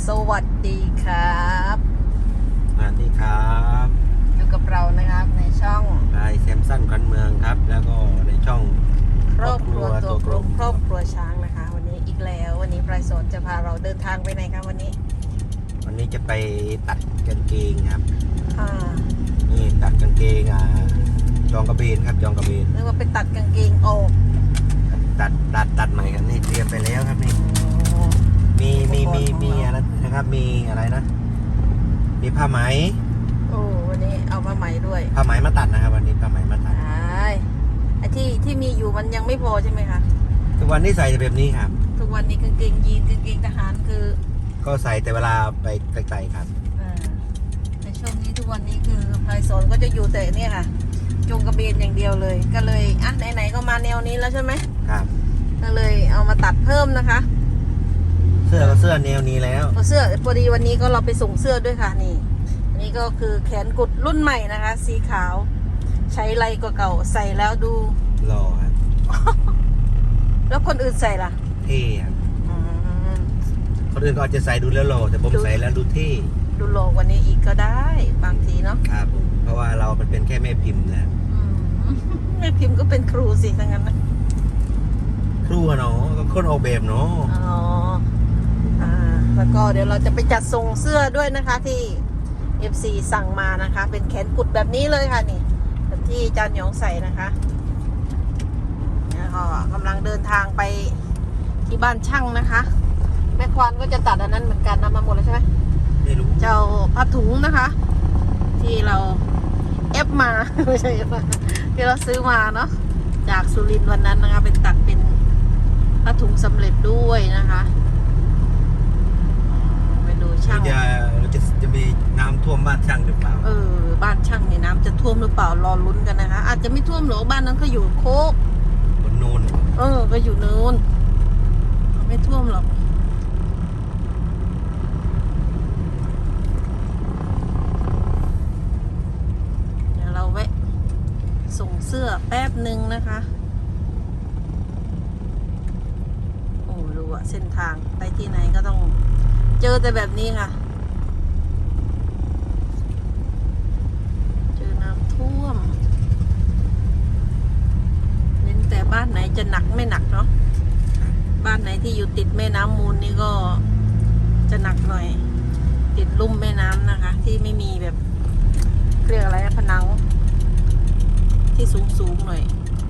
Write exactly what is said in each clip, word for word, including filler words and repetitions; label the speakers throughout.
Speaker 1: สวัสดีครับ
Speaker 2: สวัสดีครับ
Speaker 1: อยู่กับเรานะครับในช่อง
Speaker 2: นายแซมสันกันเมืองครับแล้วก็ในช่อง
Speaker 1: ครอบครัวตัวกลมครอบครัวช้างนะคะวันนี้อีกแล้ววันนี้ปลายสนจะพาเราเดินทางไปไหนครับวันนี้
Speaker 2: วันนี้จะไปตัดกางเกงครับ
Speaker 1: ค่ะ
Speaker 2: นี่ตัดกางเกงอ่าจองกระเบนครับจองกระเบน
Speaker 1: เรียกว่าไปตัดกางเกงออก
Speaker 2: ตัดตัดตัดใหม่ครับนี่เตรียมไปแล้วครับนี่มีมีมีมีอะไรนะครับมีอะไรนะมีผ้าไหม
Speaker 1: โอ้วันนี้เอาผ้าไหมด้วย
Speaker 2: ผ้าไหมมาตัดนะครับวันนี้ผ้าไหมมาตัด
Speaker 1: ใช่ไอ้ที่ที่มีอยู่มันยังไม่พอใช่ไหมคะ
Speaker 2: ทุกวันนี้ใส่แบบนี้ครับ
Speaker 1: ทุกวันนี้กางเกงยีนกางเกงทหารคือ
Speaker 2: ก็ใส่แต่เวลาไปไกลๆครับ
Speaker 1: ในช่วงนี้ทุกวันนี้คือปลายสนก็จะอยู่แต่เนี่ยค่ะจงกระเบนอย่างเดียวเลยก็เลยอ่ะไหนๆก็มาแนวนี้แล้วใช่ไหม
Speaker 2: ครับ
Speaker 1: ก็เลยเอามาตัดเพิ่มนะคะ
Speaker 2: เสื้อก็เสื้อแนวนี้แล้ว
Speaker 1: เสื้อพอดีวันนี้ก็เราไปส่งเสื้อด้วยค่ะนี่อันนี้ก็คือแขนกุดรุ่นใหม่นะคะสีขาวใช้ไรกว่าเก่าใส่แล้วดู
Speaker 2: หล่อครับ
Speaker 1: แล้วคนอื่นใส่ล่ะ
Speaker 2: เท่ครับคนอื่นก็อาจจะใส่ดูแล้วหล่อแต่ผมใส่แล้วดูเท่
Speaker 1: ดูหล่อกว่านี้อีกก็ได้บางทีเนาะ
Speaker 2: ครับเพราะว่าเรามันเป็นแค่แม่พิมพ์นะ
Speaker 1: แม่พิมพ์ก็เป็นครูสิทั้งนั้นนะ
Speaker 2: ครูเนาะก็คนออกแบบเนาะ
Speaker 1: อ๋ออ่าแล้วก็เดี๋ยวเราจะไปจัดส่งเสื้อด้วยนะคะที่ เอฟ ซี สั่งมานะคะเป็นแขนกุดแบบนี้เลยค่ะนี่แบบที่จานหยองใส่นะคะแล้วก็กำลังเดินทางไปที่บ้านช่างนะคะแม่ควานก็จะตัดอันนั้นเหมือนกันนำมาหมดแล้วใช่ไหม
Speaker 2: ไม่รู้
Speaker 1: เจ้าผ้าถุงนะคะที่เราเอฟมาไม่ใช่เอฟมาที่เราซื้อมาเนาะจากสุรินทร์วันนั้นนะคะเป็นตัดเป็นผ้าถุงสำเร็จด้วยนะคะไปดูช่าง
Speaker 2: จะจะจะมีน้ำท่วมบ้านช่างหรือเปล่า
Speaker 1: เออบ้านช่างเนี่ยน้ำจะท่วมหรือเปล่ารอลุ้นกันนะคะอาจจะไม่ท่วมหรอกบ้านนั้นก็อยู่โคก
Speaker 2: บนโนน
Speaker 1: เออก็อยู่เนินไม่ท่วมหรอกเดี๋ยวเราแวะส่งเสื้อแป๊บหนึ่งนะคะโอ้ดูอะเส้นทางไปที่ไหนก็ต้องเจอแต่แบบนี้ค่ะเจอน้ำท่วมเน้นแต่บ้านไหนจะหนักไม่หนักเนาะบ้านไหนที่อยู่ติดแม่น้ำมูลนี่ก็จะหนักหน่อยติดลุ่มแม่น้ำนะคะที่ไม่มีแบบเรียกอะไรนะผนังที่สูงสูงหน่อย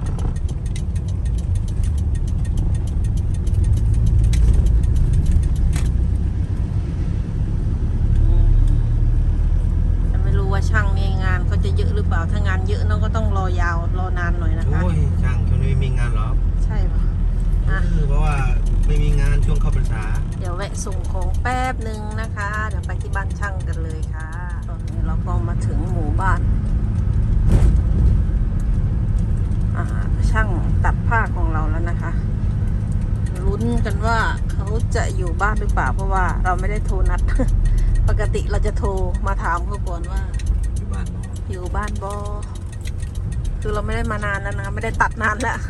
Speaker 1: แต่ไม่รู้ว่าช่างนี่งานเขาจะเยอะหรือเปล่าถ้างานเยอะน้องก็ต้องรอยาวรอนานหน่อยนะคะ
Speaker 2: โอ้ยช่างช่วงนี้ไม่มีงานหรอ
Speaker 1: ใช่ปะ
Speaker 2: เพราะว่าไม่มีงานช่วงเข้าพรรษา
Speaker 1: เดี๋ยวแวะส่งของแป๊บหนึ่งนะคะเดี๋ยวไปที่บ้านช่างกันเลยค่ะตอนนี้เราก็มาถึงหมู่บ้านช่างตัดผ้าของเราแล้วนะคะลุ้นกันว่าเขาจะอยู่บ้านหรือเปล่าเพราะว่าเราไม่ได้โทรนัด ปกติเราจะโทรมาถามเขาก่อนว่า
Speaker 2: อยู่บ้าน
Speaker 1: อยู่บ้านบอคือเราไม่ได้มานานแล้วนะไม่ได้ตัดนานแล้ว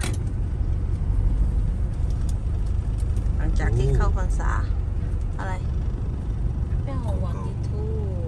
Speaker 1: หลังจากที่เข้าพรรษาอะไรแป้งหอมหวานดิทู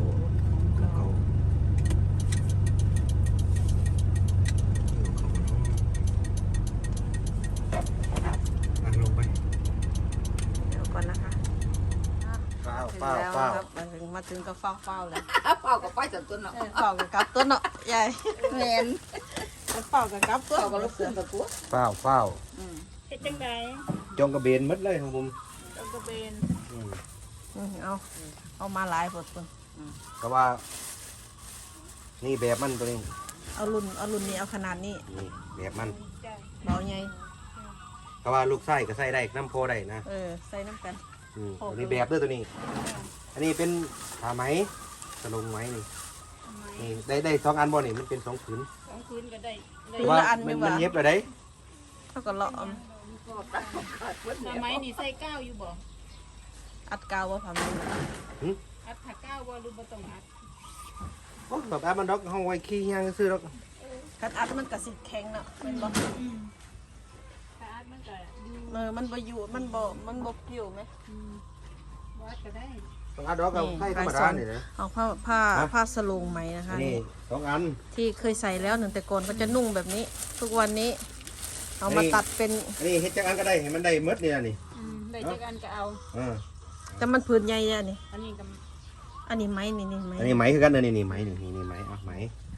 Speaker 2: ลงไป
Speaker 1: เดี๋ยวก่อนนะคะ
Speaker 2: เฝ้าเฝ้าเฝ้า
Speaker 1: มาถึงมาถึงก็เฝ้าเฝ้าเลย
Speaker 3: เฝ้ากับไปจับต้นเนาะ
Speaker 1: เฝ้ากับกับต้นเนาะใหญ่
Speaker 3: แมน
Speaker 1: เฝ้ากับกับต้น
Speaker 3: เฝ้ากับลูกเสือกับกู
Speaker 2: เฝ้าเฝ้า
Speaker 1: เฮ็ดจังได
Speaker 2: จงกระเบนมัดเลยของผม
Speaker 1: จงกระเบนเอาเอามาหลายผลคน
Speaker 2: เพราะว่านี่แบบมันตัวนี้
Speaker 1: เอารุ่นเอารุ่นนี้เอาขนาดนี้
Speaker 2: นี่แบบมัน
Speaker 1: เบาไง
Speaker 2: เพราะว่าลูกไส้ก็ใส่ได้น้ำโพได้นะ
Speaker 1: เออใส่น้ำกัน
Speaker 2: ตัวนี้แบบด้วยตัวนี้อันนี้เป็นผ้าไหมสลงไหมนี่นี่ได้ได้สองอันบ่นี่มันเป็นสองผืน
Speaker 3: สองผืนก็ได้
Speaker 2: แต่ว่ามันมันเย็บเลยได้
Speaker 1: เท่ากับเลาะ
Speaker 3: ผ้าไหมนี่ใส่ก้าวอยู่บ่
Speaker 1: อัดกาวว่าผ้าไหม
Speaker 3: อัดถักก้าวว่าหรือบ่ต้องอัด
Speaker 2: โอ้แบบอัดมันดอกห้องไว้ขี้ย่างซื้อดอก
Speaker 1: คัดอัดมันกระสิแข็งเนาะเป็นบ่
Speaker 3: ถ้าอัดมันก็
Speaker 1: เออมันบ่อยู่มันบ่มันบ่อยู่ไหม
Speaker 3: วัดก็ได้
Speaker 2: สองอันดอกกับไส้ธรรมดาเนี่ยนะ
Speaker 1: เอาผ้าผ้า
Speaker 2: ฮะ
Speaker 1: ผ้าสโลงไหมนะคะ
Speaker 2: นี่สองอัน
Speaker 1: ที่เคยใส่แล้วหนึ่งแต่ก่อนก็จะนุ่งแบบนี้ ทุกวันนี้ เอามา
Speaker 2: นี่
Speaker 1: ตัดเป็น
Speaker 2: อันนี้เฮ็ดจักอันก็ได้ให้มันได้หมดเนี่ยนี่
Speaker 3: อืมได้จากกันก็เอา
Speaker 2: อ่า
Speaker 1: แต่มันผืนใหญ่เนี่ยนี่
Speaker 3: อันนี้กับ
Speaker 1: อันนี้ไหมนี่นี่ไหม
Speaker 2: อันนี้ไหมคือกันนะนี่นี่ไหมนี่นี่นี่ไหมอ่ะไหม
Speaker 3: ไม้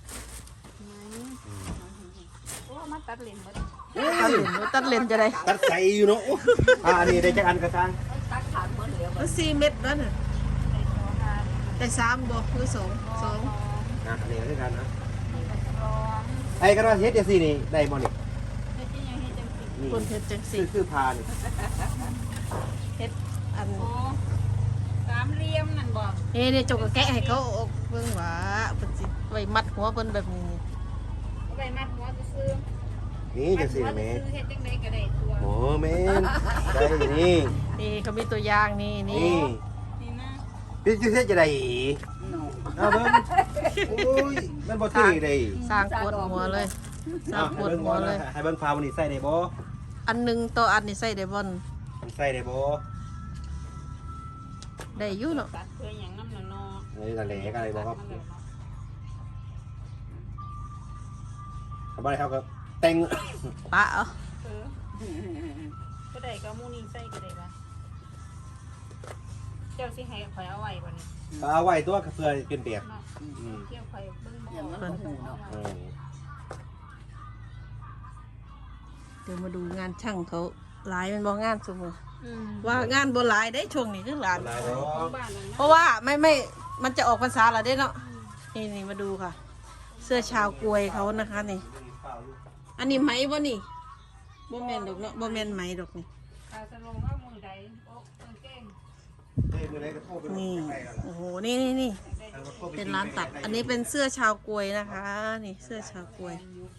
Speaker 3: โอ้มาตัดเลนหมด
Speaker 1: ตัดเลนหรือตัดเลนจะได้
Speaker 2: ตัดใส่อยู่เนาะอ่าอันนี้ได้จักอันกระชัง
Speaker 3: ตัดขาดหมดเหลือหม
Speaker 1: มั
Speaker 3: ด
Speaker 1: นสี่เม็ดแล้วน่ะ
Speaker 3: ในตัวงาน
Speaker 1: แต่สามบ่หรือสองสอง
Speaker 2: อ่ะอันนี้คือกันนะ
Speaker 3: นี่ก็รอง
Speaker 2: ไอ้ก็ว่าเฮ็ดจังซี่นี่ได้บ่นี่
Speaker 3: เฮ็ดยังไงเฮ็ดจังสิ
Speaker 2: นี่
Speaker 1: คนเฮ็ดจัง
Speaker 2: คื
Speaker 1: สี่
Speaker 2: อคือพานี่
Speaker 1: เฮ็ดอัน
Speaker 3: โอ้สามเหลี่ยมนั่นบ่
Speaker 1: เฮ้เนี่ยจกกะแกะให้เขาออกเบิ่งว่าเพิ่นสิไว้มัดหัวเพิ่นแบบนี้
Speaker 3: เอาไปมัดหัวซื่อ
Speaker 2: นี่
Speaker 3: ๆมั
Speaker 2: จั
Speaker 3: ด
Speaker 2: ง
Speaker 3: หั
Speaker 2: ซี่
Speaker 3: ว
Speaker 2: แม่
Speaker 3: ซื่อๆเฮ็ดจังได๋ก็ได้ตัว
Speaker 2: โอ้แม่นได้นี่
Speaker 1: นี่เขามีตัวอย่างนี่นี่
Speaker 2: นี่
Speaker 3: นี่นะ
Speaker 2: พี่จะเฮ็ดจะได้อีกเอาเบิ่งโอ้ยมันบ่ถือได้
Speaker 1: สร้างปวดหัวเลยสร้างปวดหัวเลย
Speaker 2: ให้เบิ่งพาวันนี้ใส่ได้บ่
Speaker 1: อันหนึงต่ออันนี่ใส่ได้บ่น
Speaker 2: มันใส่ได้บ่
Speaker 1: ได้อยู่เนาะ
Speaker 3: ตัดเพื่อหยังน้ำน่ะเนาะ
Speaker 2: เอ้ยนั่นแหละก็เลยบอกว่าเขาบ่ได้เขาก็แต่ง
Speaker 1: ปะเอา
Speaker 3: เออก็ได้ก็เอาหมูนี่ใส่ก็ได้บ่เจ้าสิให้ข่อยเอาไว้บ่นี่
Speaker 2: เอาไว้ตัวเพื่อเป็นแบบ
Speaker 3: เนาะ
Speaker 2: อืม
Speaker 3: เที่ยวข่อยเบิ่งบ่ออกข่อยเอา
Speaker 2: เอ
Speaker 3: ไว้
Speaker 2: อ
Speaker 1: เดี๋ยวมาดูงานช่างเขาหลายมันบ่งานซุมื้อ
Speaker 3: อืม
Speaker 1: ว่างานบ่หลายได้ช่วงนี้คือหลาน
Speaker 2: อะไรเนา
Speaker 3: ของ
Speaker 2: ะ
Speaker 3: บ้านนั่น
Speaker 1: เพ
Speaker 3: นะ
Speaker 1: ราะว่าไม่ไม่มันจะออกพรรษาแล้วเด้เนาะนี่นี่มาดูค่ะ เสื้อชาวกวยเขานะคะนี่ อันนี้ไหมบ่นี่บ่แม่นดอกเนาะบ่แม่นไหมดอกนี่
Speaker 3: อาสลงเอามือใดโอ๊ะกางเกง
Speaker 2: เอ้ยมื้อไหนก็โทรไป
Speaker 1: นี่
Speaker 2: ใกล้ๆกันล่ะ
Speaker 1: โอ้โหนี่นี่นี่
Speaker 3: ได้
Speaker 2: ทางโทรไป
Speaker 1: เป็นร้านตัด อันนี้เป็นเสื้อชาวกวยนะคะ นี่เสื้อชาวกวย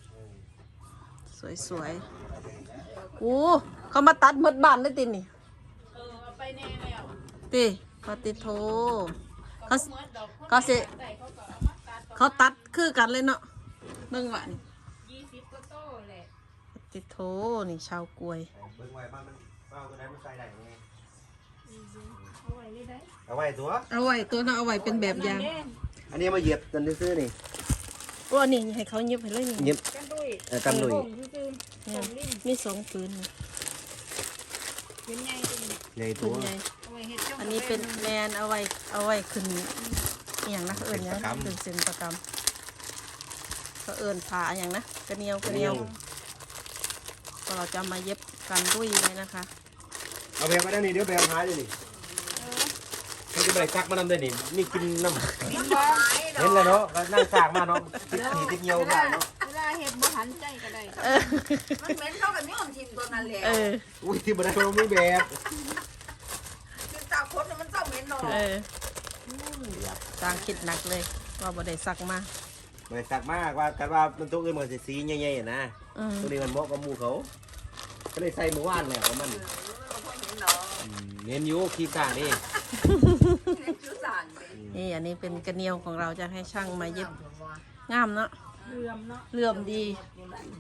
Speaker 1: สวยๆโอ้เขามาตัดหมดบ้านเลยตินี่
Speaker 3: เออเอาไปแน่แล้ว
Speaker 1: ติปฏิโทเขา
Speaker 3: เมื่อดอก
Speaker 1: เขาสิ
Speaker 3: ได้เขาก็เอามาตัด
Speaker 1: เขาตัดคือกันเลยเนาะเบิ่งว่านี่
Speaker 3: ยี่สิบก็โตแหละ
Speaker 1: ปฏิโทนี่ชาวกวย
Speaker 2: เบิ่งไว้บ้านมันเอาตัวไหนมันใส่ได้ไง
Speaker 3: เอาไว้นี่ได้
Speaker 2: เอาไว้ตัว
Speaker 1: เอาไว้ตัวน่ะเอาไว้เป็นแบบอย่าง
Speaker 3: นั่นเด้
Speaker 2: อันนี้มาเหยียบกันซื่อๆนี่
Speaker 1: โอ้นี่ให้เขาเย็บให้เลยนี่
Speaker 2: เหยียบ
Speaker 3: กันด้วย
Speaker 2: เออกันลุย
Speaker 3: ผมซื่อๆ
Speaker 1: เนี่ย
Speaker 3: ผมลิ้น
Speaker 1: มีสองปืนนี่
Speaker 3: เป็นไงจริง
Speaker 2: ใหญ่
Speaker 1: ปื
Speaker 2: ตั
Speaker 1: น
Speaker 2: ว
Speaker 1: ใหญ่
Speaker 3: เอาไว้เฮ็ดจ้อง
Speaker 1: อันนี้เป็นแมนเอาไว้เอาไว้ขึ้นอหย่างนะเขาเอิญยัง
Speaker 2: เป็นประกำ
Speaker 1: ขึ้นเส้นประกำเขาเอิญผ่าอหย่างนะกระเนียวกระเนียวก็เราจะมาเย็บกันด้วยไว้นะคะ
Speaker 2: เอาแบบมาได้นี่เดี๋ยวแบบหายเลยนี่
Speaker 3: เออ
Speaker 2: เขาจะไปซักมาน้ำได้นี่นี่กินน้ำ
Speaker 3: ลิ้นบ่
Speaker 2: เห็นแล้วเนาะก็นั่งสากมาเนาะติดหนีติดเหี่ยวมาเนาะ
Speaker 3: เวลาเฮ็ดบ่หันใจก็ได้
Speaker 1: เออ
Speaker 4: มันเหม็นเข้ากับนี่ของทีมตัวนั้นแหละ
Speaker 1: เออ
Speaker 2: อุ้ยที่บันไดเราไม่แบบ
Speaker 4: คือตาคดน่ะมันเศร้าเหม็นเนาะ
Speaker 1: เออสร้างคิดหนักเลย ว่าบ่ได้ซักมา
Speaker 2: ไม่สักมากว่ากันว่ามันตัวอื่นมันสีใหญ่ๆนะ
Speaker 1: อืม
Speaker 2: ตัวนี้มันเหมาะกับหมูเขา ก็เลยใส่หมูว่านแหละของมัน
Speaker 4: เออพอเห็นเนาะ
Speaker 2: อืมเน้นอยูขี้กลางนี่
Speaker 4: เห็นชื่อสารเลย
Speaker 1: นี่อันนี้เป็นกระเนียวของเราจะให้ช่างมาเย็บงามเนาะ
Speaker 3: เลื่อมเนาะ
Speaker 1: เหลื่อมดี
Speaker 3: เลื่อม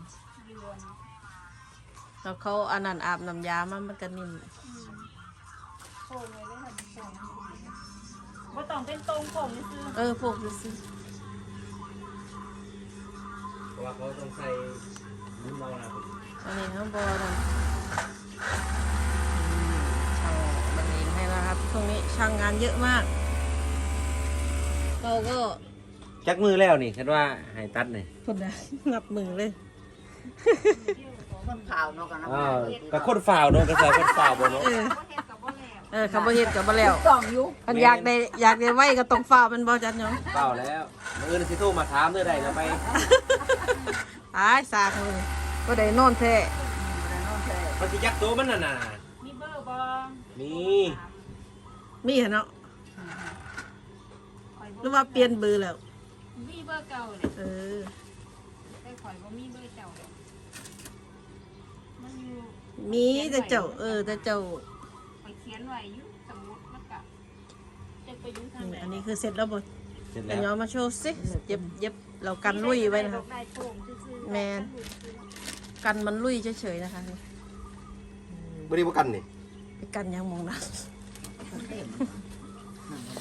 Speaker 1: แล้วเขาอันนั้นอาบน้ำยามันมันก็นิ่ม
Speaker 3: โค้งไว้ได้ค่ะโค้งบ่ต้องเป็นตรงโค้งซื่อ
Speaker 1: เออพวกดูสิ
Speaker 2: เพราะว่าเขาต้องใส่นุ่มเมานะ
Speaker 1: อันนี้ข้างบนนะช่างมันเองให้นะครับช่วงนี้ช่างงานเยอะมากเราก็
Speaker 2: จักมือแล้วนี่คิดว่าให้ตัดนี่
Speaker 1: พนนะงับมือเลย
Speaker 4: คนข่าวเนาะกันนะ
Speaker 2: อ้าวกับคนฝ่าวเนาะกระสายคนฝ่าวบ่เนาะ
Speaker 1: เออ
Speaker 3: ๆบ่เฮ็ดก็บ่แล้ว
Speaker 1: เออคำว่าเฮ็ดกับมาแล้ว
Speaker 4: ต้องอยู่
Speaker 1: มันอยากได้อยากได้ไว้ก็ต้องฝ้ามันบ่จัดเนาะ
Speaker 2: ฝ่าวแล้วมืออื่นสิโทรมาถามเด้อได้เดี๋ยวไป
Speaker 1: ตายสากเลยก็ได้นอนแท้
Speaker 2: มันสิยักตัวมันน่ะน่ะ
Speaker 3: มีเบอร์บ่
Speaker 2: มี
Speaker 1: มีเหรอเนาะหรือว่าเปลี่ยนเบอร์แล้ว
Speaker 3: มีเบอร์เก่าเลย
Speaker 1: เออ
Speaker 3: แต่ข่อยบ่มีเบอร์เจ้าเลยมันอยู่
Speaker 1: มีแต่เจ้า เออแต่เจ้า
Speaker 3: ข่อยเขียนไว้อยู่สมุดมันก็จะไปอยู่ทาง
Speaker 1: นี่
Speaker 3: ไหน
Speaker 1: อันนี้คือเสร็จแล้วบ่
Speaker 2: เสร็จ
Speaker 1: แต่
Speaker 2: แล้ว
Speaker 1: ย้อนมาโชว์สิเย็บเย็บเรากันลุยไว้นะครับ
Speaker 3: ได้โป่งซื่อๆ
Speaker 1: แมน กันมันลุยเฉยๆนะคะนี่
Speaker 2: บ่ได้บ่กันนี่
Speaker 1: ไปกันยังมองนะ
Speaker 4: เ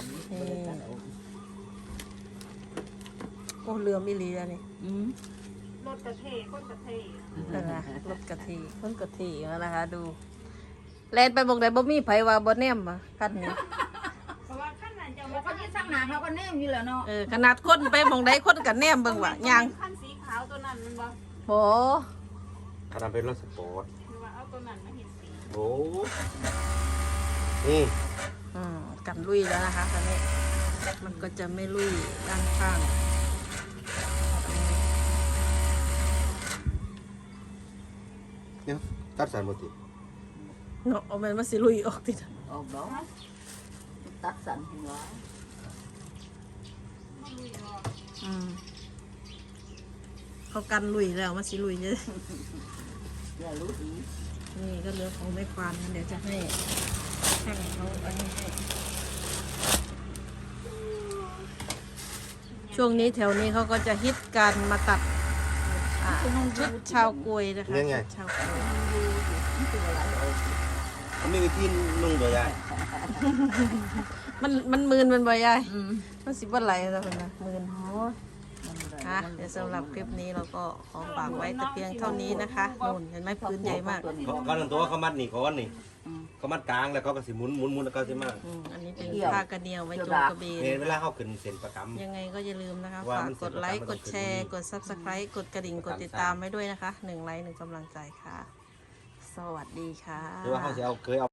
Speaker 1: เหลื่อมอีหลีอันนี้
Speaker 4: อืม
Speaker 3: รถกระเทคนกระเท
Speaker 1: นั่นนะรถกะทิคนกะทิเอานะคะ ดูแลนไปบอกได้บ่มีไผว่าบ่แนมอ่ะคันนี้
Speaker 3: เพราะว่าขั้นนั้นจะ
Speaker 4: เขาก็ที่สร้างหนาเขาก็แนมอยู่แล้วเนาะ
Speaker 1: เออขนาดคนไปมองได้คนกันแนมเบิ่งว่าย่าง
Speaker 3: ขั้นสีขาวตัวนั้นมันบ่
Speaker 1: โห
Speaker 2: ถ้าทำเป็นรถสปอร์ต
Speaker 3: คือว่าเอาตัวนั้นมาเห็นสี
Speaker 2: โอ้นี่
Speaker 1: อืมกันลุยแล้วนะคะคันนี้มันก็จะไม่ลุยด้านข้าง
Speaker 2: เนี่ยตัดสารหมดติ
Speaker 1: เนาะเอามันมาสิลุยออกติด
Speaker 4: ออกดอกตัดสันหัว
Speaker 3: ไม่รู้หรอก
Speaker 1: อืมเขากันลุยแล้วมาสิลุยเลย
Speaker 4: อย่ารู้ดี
Speaker 1: นี่ก็เหลือของแม่ควานเดี๋ยวจะให้ช่างเขาอันนี้ให้ช่วงนี้แถวนี้เขาก็จะฮิตการมาตัดอ่าชุดชาวกวยนะคะชุดชาวกวย
Speaker 4: นี่คืออะไรเอ่ย
Speaker 2: มันมีวิธีนุ่งตัวใหญ่
Speaker 1: มันมันมืนมันบ่ยาย
Speaker 4: อืม
Speaker 1: มันสิบ่ไหลแล้วนะมืน
Speaker 4: โอ้ยมันอะไร
Speaker 1: อ่ะเดี๋ยวสำหรับคลิปนี้เราก็ขอฝากไว้แต่เพียงเท่านี้นะคะนู่นเห็นไหมพื้นใหญ่มาก
Speaker 2: เขาเขาตั้งตัวเขามัดนี่ก้อนนี่
Speaker 4: อืม
Speaker 2: เขามัดกลางแล้วเขาก็สิหมุนหมุนหมุนแล้วก็สิมา
Speaker 1: อืมอันนี้เป็น
Speaker 4: เกี่ยว
Speaker 1: ผ้ากระเนียวไว้โจงกระเบน
Speaker 2: เห็นเวลาเขาขึ้นเส้นประกำ
Speaker 1: ยังไงก็อย่าลืมนะคะ
Speaker 2: ว่า
Speaker 1: ฝาก
Speaker 2: มัน
Speaker 1: กดไลค์
Speaker 2: เสียง
Speaker 1: ก
Speaker 2: ประ
Speaker 1: ด
Speaker 2: จำ
Speaker 1: แชร์ กด ซับสไครต์ กดกระดิ่ง กดติดตามไว้ด้วยนะคะหนึ่งไลค์หนึ่งกำลังใจค่ะ สวัสดีค่ะ
Speaker 2: หรือว่าเขาจะเอาเคยเอา